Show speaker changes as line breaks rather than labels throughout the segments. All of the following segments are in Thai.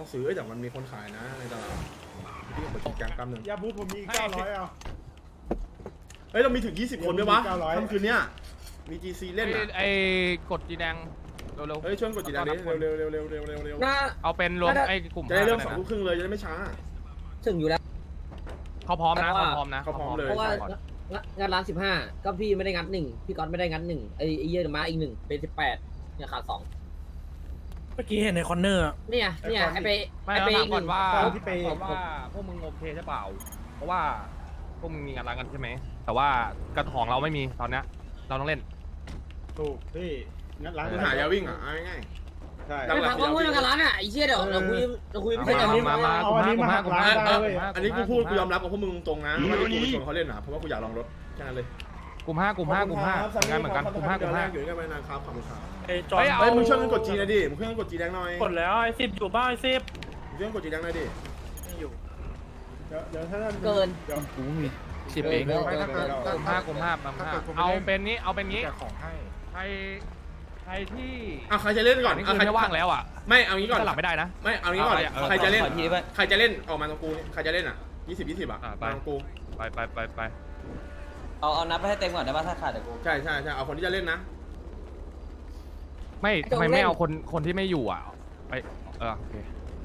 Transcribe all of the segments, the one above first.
ต้องซื้อแต่มันมีคนขายนะในตลาดพี่กดชิงแกงแป๊บนึง
ยาบูผมมี900เอา
เฮ้ยเรามีถึง20คนด้วยวะ
900
ค่ำคืนเนี้ยมี GC เล่นอ่ะ
ไอ้กดจีแดงเร็ว
เฮ้ยช่วยกดจีแดงดิเร็ว
เอาเป็นรวมไอ้กลุ่ม
จะได้เริ่ม2 ทุ่มครึ่งเลยจะได้ไม่ช้า
ถึงอยู่แล้ว
เขาพร้อมนะเขาพร้อมนะ
เขาพร้อมเลย
เพราะว่างานร้าน15ก็พี่ไม่ได้งัด1พี่ก๊อตไม่ได้งัด1ไอ้เยี่ยมาอีก1เป็น18เนี่ยขาด2
เมื่อกี้เห็นในคอนเนอร์
เนี่ยไอ้ไป
ไม่
ไอ้
เรา
ไป
ถามก่อนว่า
ที่ไป
พวกมึงโอเคใช่เปล่าเพราะว่าพวกมึงมีงานร้านกันใช่ไหมแต่ว่ากระของเราไม่มีตอนเนี้ยเราต้องเล่น
ถูกพี่งั้นร้าน
คือหายาวิ่งอ่ะง่าย
ใช่
ไม่พักว่าพูดงานร้านอ่ะไอ้เชี่ยเดี๋ยวเราคุยไม่ใช่
มา
กันนี้
มา
เอาอันนี้มาหักร้านได้เว้ย
อันนี้กูพูดกูยอมรับกับพวกมึงตรงนะว่าที่กูชวนเขาเล่นอ่ะเพราะว่ากูอยากลองรถแค่นั้นเลย
กลุ่ม5เหมือนกันกลุ่ม5
อยู่ด้วยกันไปนานครับขอบคุณครับ
ไอ้จอ
เฮ้ยมึงช่วยกันกดจีนะดิมึงช่วยกันกดจีแดงหน่อย
กดแล้วไอ้10อยู่บ้าไอ้10
มึงช่วยกันกดจีแดงหน่อยดิ
ไม่อยู่
เดี๋ยวถ้า
เกิน
เดี๋ยว
กูมี
10 เองกลุ่ม5เอาเป็นนี้
ของให้
ใครที่
ใครจะเล่นก่อน
นี่คือไม่ว่างแล้วอ่ะ
ไม่เอางี้ก่อน
สลับไม่ได้นะ
ไม่เอางี้ก่อนใครจะเล่น
ขอทีด้วย
ใครจะเล่นออกมาตรงกูใครจะเล่นอ่ะ20อ่ะมาตรงกู
ไป
เอานับไปให้เต็มก่อนได้ป่ะถ้าขาดเดี๋ยวกู
ใช่เอาคนที่จะเล่นนะ
ไม่ทำไมไม่เอาคนที่ไม่อยู่อ่ะไปโอเค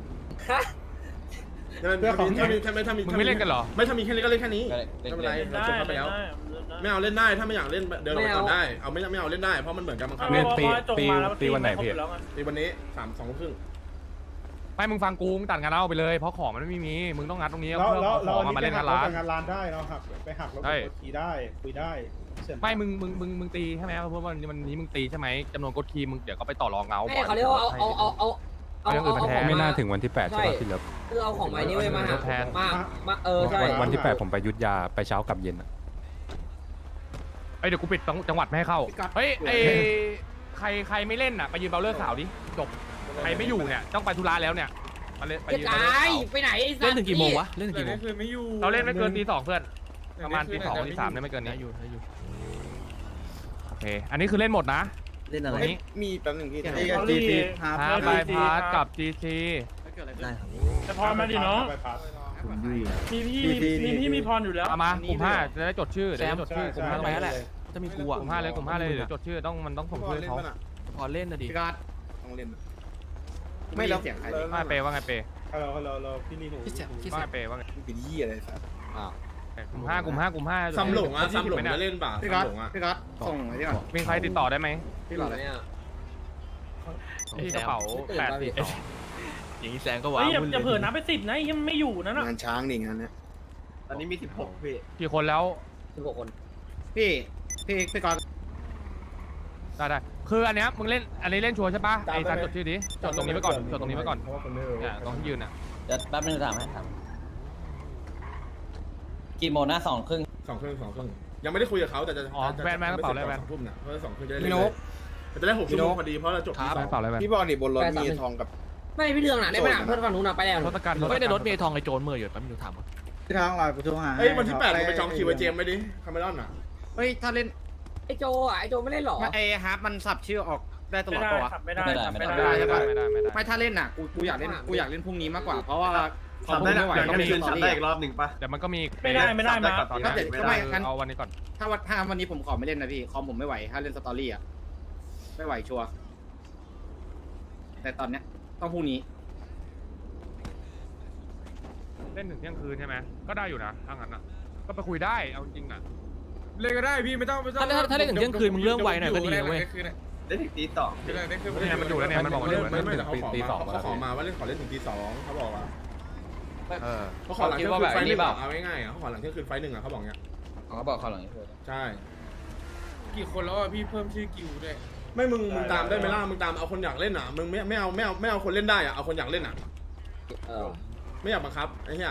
ถ้ามี
มึงไม่เล่นกันเหรอ
ไม่ถ้ามีแค่นี้ก็เล่นแค่นี้
เล่น
ไม่เป็นไร
เล่น
เรา
ได้
จบไปแล้ว ไม่เอาเล่นได้ถ้าไม่อยากเล่นเดินออกไปก่อนได้เอาไม่เอาเล่นได้เพราะมันเหมือนกันบังคับ
ตีวันไหนพี่
ตีวันนี้2 ทุ่มครึ่ง
ไม่มึงฟังกูมึงตัดงานเล่าไปเลยเพราะของมันไม่มีมึงต้องงัดตรงนี้
แล้ว
เพื่อเอาของมาเล่นงานร้าน
งานร้านได้เราหักไปหักแล้วกดขี่ได้คุยได้
ไม่มึงตีใช่ไหมเพราะว่าวันนี้มึงตีใช่ไหมจำนวนกดคีย์มึงเดี๋ยวก็ไปต่อรองเอา
ไม่เขาเรียกว่าเอา
ไม่น่าถึงวันที่8ใช่ป่ะพี่เลิฟ
คือเอาของใหม่นี้ไว้มาหามาใช่
วันที่8ผมไปยุทธยาไปเช้ากับเย็นอะ
เดี๋ยวกูปิดจังหวัดไม่ให้เข้าเฮ้ยใครไม่เล่นอ่ะไปยืนเบลเลอร์สาวดิจบใครไม่อยู่เนี่ยต้องไปธุระแล้วเนี่ยมาเล่นไปยืน
ไปไหนไอ้สัตว์
เล่นถึงกี่โมงวะเล่นถึงกี่โมง
เราเล่นไม่เกินตี 2เพื่อนประมาณตี 2ตี 3ได้ไม่เกินนี้อยู่โอเคอันนี้คือเล่นหมดนะ
เล่นอะไร
นี้
มีแป๊บนึงพี่
พาไปพาร์ทกับ GC
ได้ครับ
แต่พรมาดิน้องมีพี่มีพรอยู่แล้ว
มากลุ่ม5จะได้จดชื่อเดี๋ยวจดชื่อกลุ่ม5
ไปแล้วแหละจะมีกู
ก
อ่ะ
ลุ่ม5เลยกลุ่ม5เลยเดี๋ยวจดชื่อมันต้องส่งชื่อเขา
พอเล่นนะดิ
พี่กัดต้องเล่นไม่แล้วเสียงใคร
ว่าเปว่าไงเป
ฮัลโหลพี่นี่หู
ว่าไงเปว่าไง
เป็นยี่อะไรสัตว์
กลุ่ม5
ซ้ำหลงจะเล่นป่ะซ้ำหลงพี่กัดส่งไว้ก่อน
มีใครติดต่อได้ไหม
พี่หลอด
เนี่ย
ที่กระเป๋า8
อย่างนี้แซงก็ว้า
เฮ้
วย
อย่าเผลอนับไป10นะยังไม่อยู่นั่นน่ะ
งานช้างนี่งานเนี้ยตอนนี้มี16พี่
กี่คนแล้ว
16 คน
พี่กัด
ได้คืออันเนี้ยมึงเล่นอันนี้เล่นชัวร์ใช่ปะไอ้ซันจดชื่อดิจดตรงนี้ไว้ก่อนจดตรงนี้ไว้ก่อน
เพราะว่าคนไม่รู้
เนี่ยตรงที่ยืนอ่ะ
เดี๋ยวแป๊บนึงถามให้ครับกี่โมงนะ2 ครึ่ง
2 ครึ่งยังไม่ได้คุยกับเขาแต่จะทุ่มเนี่ยเพราะ2 ครึ่งจะได้เล่นจะได้6 ชั่วโมงพอดีเพราะเราจบที่
เปล่าอะไรแบน
พี่บอลนี่บนรถมีทองกับ
ไม่พี่เรื่องน่ะได้ไปหนังเพื่อนฝั่งนู้นน่ะไปแล้ว
รถตะการ
ไม่ในรถมีทองไอโจรมืออยู่แป๊บนึงถามก่อน
พี่ทางลอยประตูหา
เอ้ยวันที่8ผมไปจองคิวไอเจมไม่ดิคาเมรอนอ่ะ
เฮ้ยถ้าเล่น
ไอ้โจไม่เล่นหรอ
ไอ้ฮาร์ปมันสับชื่อออกได้ตล
ไม่
อด
ได้
ตัว
ขับไม่ได้
ไม่ถ้าเล่นน่ะกูอยากเล่นพรุ่งนี้มากกว่าเพราะว่าคอมไม่ไหว
ต้
ต้
อ
อง ง
มี
มี
สับได้อีกรอบหนึ่งป่ะ
เดี๋ยวมันก็มี
ไม่ได้มา
เอาวันนี้ก่อน
ถ้าวันนี้ผมขอไม่เล่นนะพี่คอมผมไม่ไหวถ้าเล่นสตอรี่อ่ะไม่ไหวชัวร์แต่ตอนเนี้ยต้องพรุ่งนี้
เล่นถึงเที่ยงคืนใช่ไหมก็ได้อยู่นะถ้างั้นอ่ะก็ไปคุยได้เอาจริงอ่ะ
เล่นก็ได้พี่ไม่ต้อง
ถ้าเล่นถึงเที่ยงคืนมึงเริ่มไวหน่อยก็ดีนะเว้ย
ได้ถึงตีต่อ
เนี่ยมันอยู่แล้วเนี่ยมันบอกว่าเล่น
ไม่แต่เขาขอมาว่าเล่นขอเล่นถึงตี 2เขาบอกว่าเขาขอหลังเที่ยงคืนไฟ 1เอาง่ายๆเขาขอหลังเที่ยงคืนไฟ 1เขาบอกเงี้ย
เขาบอกเขาหลังนี้
ใช่
กี่คนแล้วอ่ะพี่เพิ่มชื่อกิวด้วย
ไม่มึงตามได้ไหมล่ะมึงตามเอาคนอยากเล่นอ่ะมึงไม่เอาคนเล่นได้อ่ะเอาคนอยากเล่นอ่ะไม่อยากบังคับไอ้เหี้ย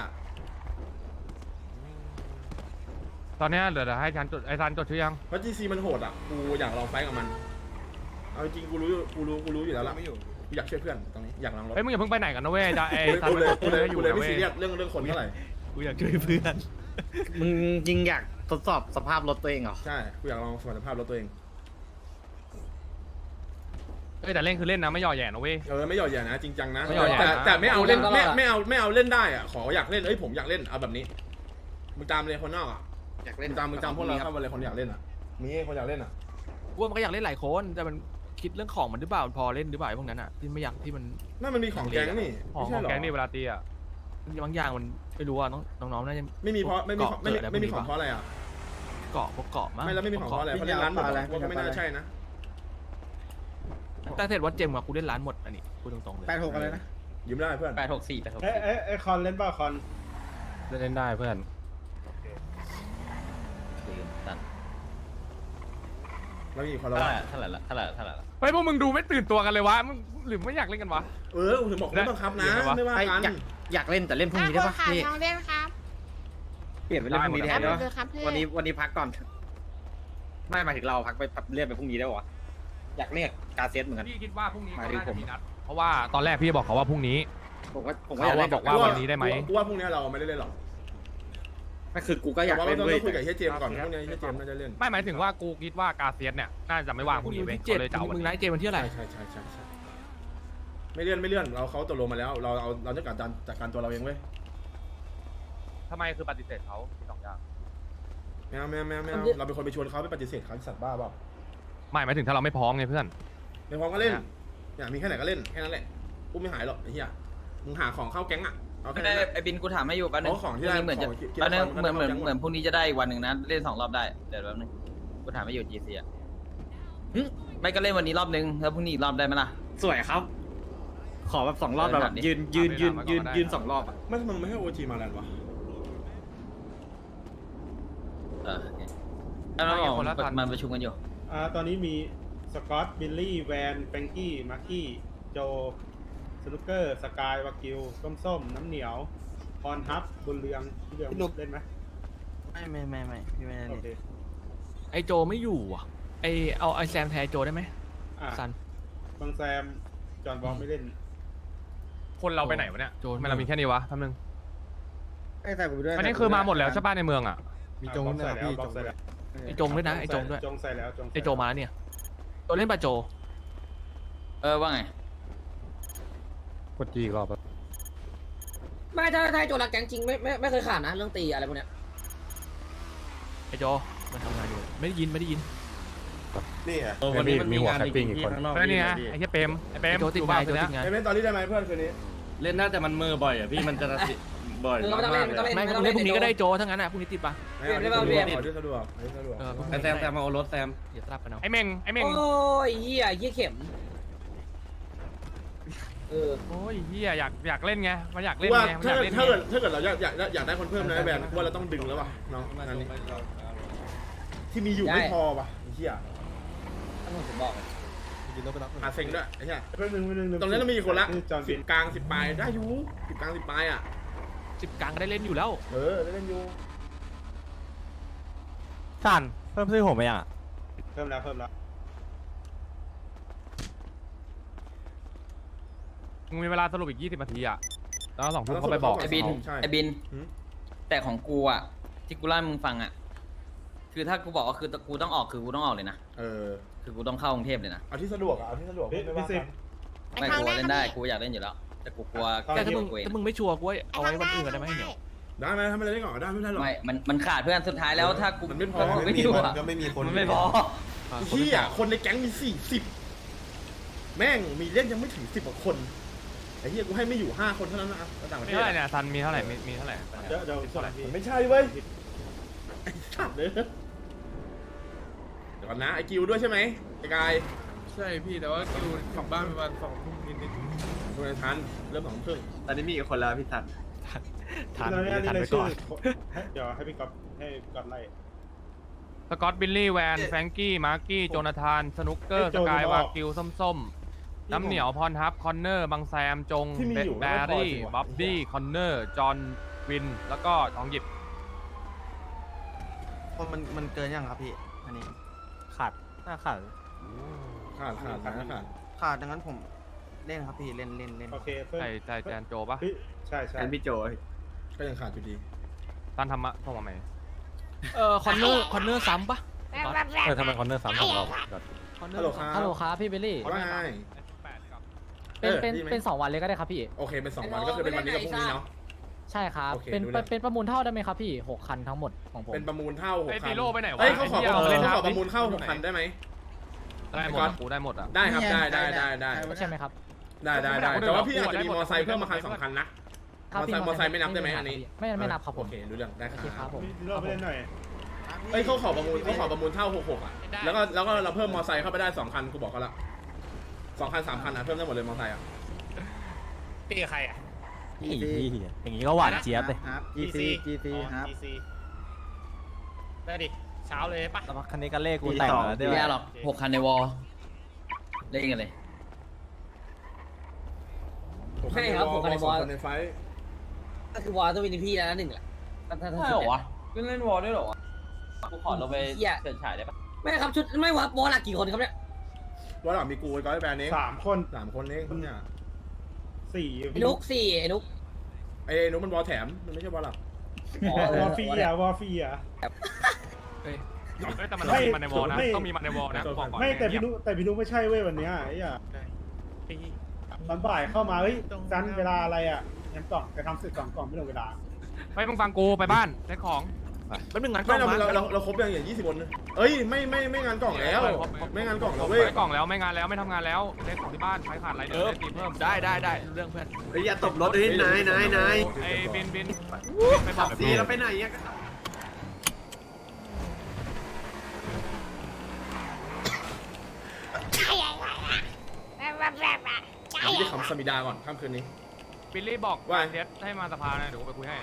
ตอนนี้เดี๋ยวให้ฉันจดไอ้ซันจดชื่อยัง
เพราะ GC มันโหดอ่ะกูอยากลองไฟกับมันเอาจริงกูรู้อยู่แล้วล่ะกูอยากช่วยเพื่อนตรงนี้อยากลองรถ
เฮ้ยมึงอย่าเพิ่งไปไหนกันนะเว้ยจะไอ้ซัน
กูเลย
อยู่
ไม่
เว้
ซี
ย
เรียสเรื่องคนเท่าไหร่
กูอยากช่วยเพื่อน
มึงยิงอยากทดสอบสภาพรถตัวเองเหรอ
ใช่กูอยากลองสมรรถภาพรถตัวเอง
เอ้ยแต่เล่นคือเล่นนะไม่หย่อแหย่นะเว้ย
ไม่หย่อแย่นะจริงจังนะ
ไม่หย่อแหย่นะ
แต่ไม่เอาเล่นไม่เอาเล่นได้อ่ะขออยากเล่นผมอยากเล่นเอาแบบนี้มึงตามเลยคนนอกอ่ะ
อยากเล่น
มึงตามพวกเราเข้ามาเลยคนอยากเล่นอ่ะมีคนอยากเล่นอ่ะ
กูว่ามันก็อยากเล่นหลายคนแต่มันคิดเรื่องของมันหรือเปล่าพอเล่นหรือเปล่าไอ้พวกนั้นอ่ะที่ไม่อยากที่มัน
นั่นมันมีของแก๊งนี่
ของ
ไม่ใช่หรอ
แก๊งนี่เวลาตีอ่ะ
บางอย่างมันไม่รู้อ่ะน้องๆน่าจะ
ไม่มีของเพราะอะไรอ่ะ
เกาะพวกเกาะมั้ง
ไม่แล้วไม่มีของเพราะอะไรเพราะเล่นร้านหมดว่าก็ไม่น่าใช่นะ
แต่เสร็จวัดเจมส์กับกูเล่นร้านหมดอันนี้พูดตรงๆเลย
86อะไรนะ
ยืมได้เพื่อน
864
เอ้คอนเล่นเปล่าคอน
เล่นได้เพื่อน
แล้วมีคนละว่า
เท่าไหร่ละ
เฮ้ยพวกมึงดูไม่ตื่นตัวกันเลยวะมึงหรือไม่อยากเล่นกันวะ
ถึงบอกไม่บังคับนะไม่ว่ากัน
อยากเล่นแต่เล่นพรุ่งนี้ได้ปะพี่
น้องเล่นครับ
เปลี่ยนไปเล่นพรุ่งนี้แทนได้ปะ
ครับพี่
วันนี้พักก่อนไม่หมายถึงเราพักไปเลื่อนไปพรุ่งนี้ได้ปะวะอยากเรียกกาเซตเหมือนกัน
พี่คิดว่าพรุ่งนี้
หมา
เขา
ยถึง
น่า
ผ
จะ
ม
มีนัดเพราะว่าตอนแรกพี่บอกเขาว่าพรุ่งนี้
ผมก็
เขา
อยากเล่น
บอกว่าวันนี้ได้ไหม
กูว่าพรุ่งนี้เราไม่ได้เล่นหรอก
ก็คือกูก็อยากเล่น
ต้อง
ด้วย
คุยกับเฮียเจมก่อนพรุ่งนี้เฮียเจมน่าจะเล่น
ไม่หมายถึงว่ากูคิดว่ากาเซียสเนี่ยน่าจะไม่ว่างพรุ่งนี้เว้ยเขาเลยจะเอาวัน
มึง
นี้
ไลฟ์เจมส์วันที่อะไร
ใช่ไม่เลื่อนเขาตกลงมาแล้วเราจะจัดการตัวเราเองเว้ย
ทำไมคือปฏิเสธเขามีสองอย่าง
ไม่เราเป็นคนไปชวนเขาไปปฏิเสธเขาสัตว์บ้าเปล่า
ไม่หมายถึงถ้าเราไม่พร้อมไงเพื่อน
ในพร้อมก็เล่นอยากมีแค่ไหนก็เล่นแค่นั้นแหละกูไม่หายหรอกไอ้เหี้ยมึงหาของเข้าแก๊งอ่ะเอาแค่
ไม่
นั้
ได้
น
ไอ้บินกูถามให้อยู่แป๊บนึง
ของที่ได้
เหมือนจะ
ของ
แป๊บนึง
ของ
เหมือน
ของ
เหมือนพรุ่งนี้จะได้อีกวันหนึ่งนะเล่น2 รอบได้เดี๋ยวแป๊บนึงกูถามให้อยู่ GC อ่ะหึไม่ก็เล่นวันนี้รอบนึงแล้วพรุ่งนี้อีกรอบได้ไหมล่ะ
สวยครับ ขอแบบ2 รอบแบบยืน2 รอบอ่ะ
ไม่มึงไม่ให้โอจีมาแล้ววะ
โอเคแล้วเรามันประชุมกันอยู่
ตอนนี้มีสกอตบิลลี่แวนแฟรงกี้มาร์กี้โจสนุกเกอร์สกายวากิวส้มน้ำเหนียวพรฮับบุญเรืองพี่เรืองเล่นไหม
ไม่พี่ไม่ได้
โอเค
ไอโจไม่อยู่อ่ะเอาไอแซมแทนไอโจได้ไหมซัน
บางแซมจอห์นบอลไม่เล่น
คนเราไปไหนวะเนี่ย
โจร
ทำไมเรามีแค่นี้วะแป๊บนึง
ใส่ผมด้วย
อันนี้คือมาหมดแล้วใช่ป่ะในเมืองอ่ะ
มีจงใส่แล้วจงใส่แล้ว
ไอจงด้วยนะไอจงด้วย
จงใส่แล้วจง
ไอโจมาแล้วเนี่ยโจเล่นปะโจ
ว่าไง
กดจีอีกรอบแล้ว
ไม่ถ้าโจรักแก๊งจริงไม่เคยขาดนะเรื่องตีอะไรพวกเนี้ย
ไอโจมันทำงานอยู่ไม่ได้ยิน
นี่ไง
มีหัวแคปปิ้งอีกคน
แล้วนี่ไงไอ้เหี้ยเปรมไอ้เปร
ไอ
ม
โจติดงานไอโจติดงาน
ไอ้เล่นตอนนี้ได้ไหมเพื่อนคืนนี้
เล่นน่าจะมันมือบ่อยอ่ะพี่มันจะบ่อย
ไม่ต้องเล่นไม่ต้องเล่น
ไม่
ไม่ต้อง
เล่
เล่
น
น
พรุ่งนี้ก็ได้โจทั้งนั้นอ่ะพรุ่งนี้ติดปะ
ขอที่สะดวก
แซมมาเอารถแซม
เดี๋ยวสลับกันเอา
ไอ้เม่งไอ้เม่ง
โอ้ยเหี้ยเข็ม
โอ้ยเฮียอยากเล่นไงมันอยากเล่น
ว่า
ไงมันอ
ถ้าย
าก
เกิด
เล่น
ถ้าเกิดเราอยากได้คนเพิ่มนะแบนว่าเราต้องดึงแล้วว่ะน้องงานนี้ที่มีอยู่ไม่พอว่ะเฮีย
ผมบอก
หาเซ็งด้วยไอ้เหี้ย
เพื่อนหนึ่ง
ตรงนี้เรามีคนละ
จอห์น
สิ
บิ
บ
น
กลาง10 ปลายได้อยู่10 กลาง 10 ปลายอ่ะ
10 กลางก็ได้เล่นอยู่แล้ว
ได้เล่นอยู่
ซันเพิ่มซื้อผมไปอ่ะ
เพิ่มแล้ว
มึงมีเวลาสรุปอีก20 นาทีอ่ะแล้ว2 ทุ่มเขาไปบอก
ไอ้บิน
ใช่
ไอ้บิน แต่ของกูอ่ะที่กูเล่าให้มึงฟังอ่ะคือถ้ากูบอกว่าคือกูต้องออกคือกูต้องออกเลยนะคือกูต้องเข้ากรุงเทพเลยนะ
เอาที่สะดวกไม่ว่ากัน
ไม่กูเล่นได้กูอยากเล่นอยู่แล้วแต่กูกลัว
แต่ถ้า
กู
มึง
เอง
ถ้ามึงไม่ชัวร์กูเอาไว้วันอื่นได้ไหมเนี่ย
ได้ไหมทำอะไรได้ก่อนได้ไม่ได้หรอก
ไม่มันขาดเพื่อนสุดท้ายแล้วถ้ากู
มันไม่พอ
ถ้ากูไม่อยู่อ่ะ
ก็ไม่มีคน
มันไม่พอ
ที่อ่ะคนในแก๊งมี40แม่งมีเล่นยังไม่ถึง10 กว่าคนไอ้เหี้ยกูให้ไม่อยู่5 คนเท่านั้นนะต่างประ
มี
เทศ
เท่าไหร่เนี่ยซันมีเท่าไหร่มีเท่าไหร่
เดี๋ยวส่งพี่
ไม่ใช่เว้ยไอ้สัตว์เลยเดี๋ยวก่อนนะไอ้กิวด้วยใช่ไหมไอ้กาย
ใช่พี่แต่ว่าคิวกลับบ้านประมาณ2 ทุ่มนิด
ดูในทันเริ่ม2 ทุ่ม
ตอนนี้มีอีกคนแล้วพี่ทัน
ทัน
นี่
ทัน
เล
ไป
ย
ก่อน
เดี๋ยวให้พี่ก๊อฟไล่
สกอตบิลลี่แวนแฟรงกี้มาร์กี้โจนาธานสนุกเกอร์สกายวากิวส้มน้ำเหนียวพรฮับคอนเนอร์บางแซมจงแบรี่บ๊อบบี้คอนเนอร์จอห์นวินแล้วก็ทองหยิบ
มันเกินยังครับพี่อันนี้
ขาดน่าขาด
ขาด
ดังนั้นผมเล่นครับพี่เล่น
โอเคเพิ่ม
ใส่แจนโจปะ
ใช่
แอนพี่โจ
ก็ยังขาดอยู่ดี
ซันทำมะส่งมาไหม
คอนเนอร์ซ้ำปะ
ทำไมคอนเนอร์3 2 รอบ
ฮัลโหลครับ
ฮัลโหลครับพี่เบลลี่
ว่าไง
เป็น2 วันเลยก็ได้ครับพี่
โอเคเป็น2 วันก็คือเป็นวันนี้กับพรุ่งนี้เนาะ
ใช่ครับ
โอเค
เป็น
รู้แล้ว
เป็นประมูลเท่าได้ไหมครับพี่6 คันทั้งหมดของผม
เป็นประมูลเท่า6
ไอ้
คั
ปี
น
โร่ไปไหนวะ
เอ้ยเขาขอ
ไหี้ยเล่น
เขาขอ
น้ำ
ประมูลเข้า6 คันได้ไหม
ได้หมดอะกูได้หมดอ่ะ
ได้ครับได้
ใช่ไหมครับ
ได้แต่ว่าพี่อาจจะมีมอไซค์เพิ่มมาคัน2 คันนะ
ครับพี่
มอไซค์ไม่นับได้ไหมอันนี้
ไม่นับครับผ
โอ
ม
เครู้เรื่องได้
โอเคครับผม
พี่เราไปเล่นหน่อย
เอ้ยเขาขอประมูลเท่า66อ่ะแล้วก็เราเพิ่มมอไซค์เข้าไปได้2 คันกูบอกเขาละ2 คัน 3 คันอ่ะเพิ่มได้หมดเลยมอไซค์อ่ะ
ตีใครอ่ะ
อย่างนี้ก็หวานเจี๊ยบเลย
GC ครับ
ได้ดิเช้าเลยปะ
คันนี้ก็เลขกูแต่งแล้ว
ไม่ได้หรอก6 คันในวอลเล่นกันเลย
6 คันในวอล2 คันในไฟ
ก็คือวอลต้องมีพี่แล้ว1แหละถ้า
ใช่เหรอวะเล่นวอลด้วยเหรอวะกูขอเราไปเฉิดฉายได้ปะ
ไม่ครับชุดไม่วอลหลักกี่คนครับเนี่ย
ว่าหลังมีกูไอ้ก้อยแบรนด์เอง
3 คน
3 คนเองเนี่ย
4
ไอ้นุกไอ้นุก
ไอ้นุ๊กมันบอลแถมมันไม่ใช่บอลหลัก
วอร์ฟีอ่ะวอร์ฟีอ่ะ
แต่มันต้องมีมันในวอลนะต้องมีมันในวอลนะบอกก่อน
ไม่แต่พี่นุไม่ใช่เว้ยวันเนี้ยไอ้เหี้ยตอนบ่ายเข้ามาเฮ้ยจันเวลาอะไรอ่ะงั้นกล่องจะทำศึก2 กล่องไม่ลงเวลา
ไปมึงฟังกูไปบ้านได้ของ
แป๊บนึงงานกล้
ไม่
องมา
เราครบอย่าง20 คนเอ้ยไม่งานกล่องแล้วไม่งานกล่องแล้วเว้ย
ได้กล่องแล้วไม่งานแล้วไม่ทำงานแล้วเล่นของที่บ้านใครขาดอะไรเดี๋ยวได้ตีเพิ่ม
ได้เรื่องเพื่อน
อย่าตบรถเลยนาย
ไอ้บินไปบอก
สีเราไปไหนอ่ะ
พี่จะขำสมิดาก่อนค่ำคืนนี้
บิลลี่บอก
ว่า
เดฟให้มาสภานะเดี๋ยวกูไปคุยให้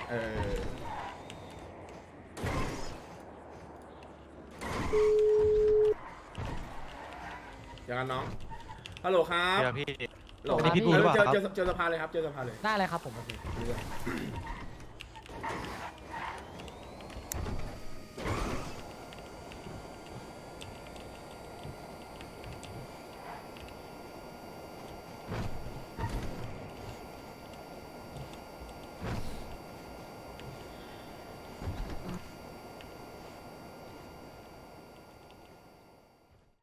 อย่างนั้นน้องฮัลโหลครับ
เดี๋ยวพี่
ฮัลโหล
นี่พี่บูหรือเปล่าครับ
เจอสภาเลยครับเจอสภาเลย
ได้เลยครับผม
เ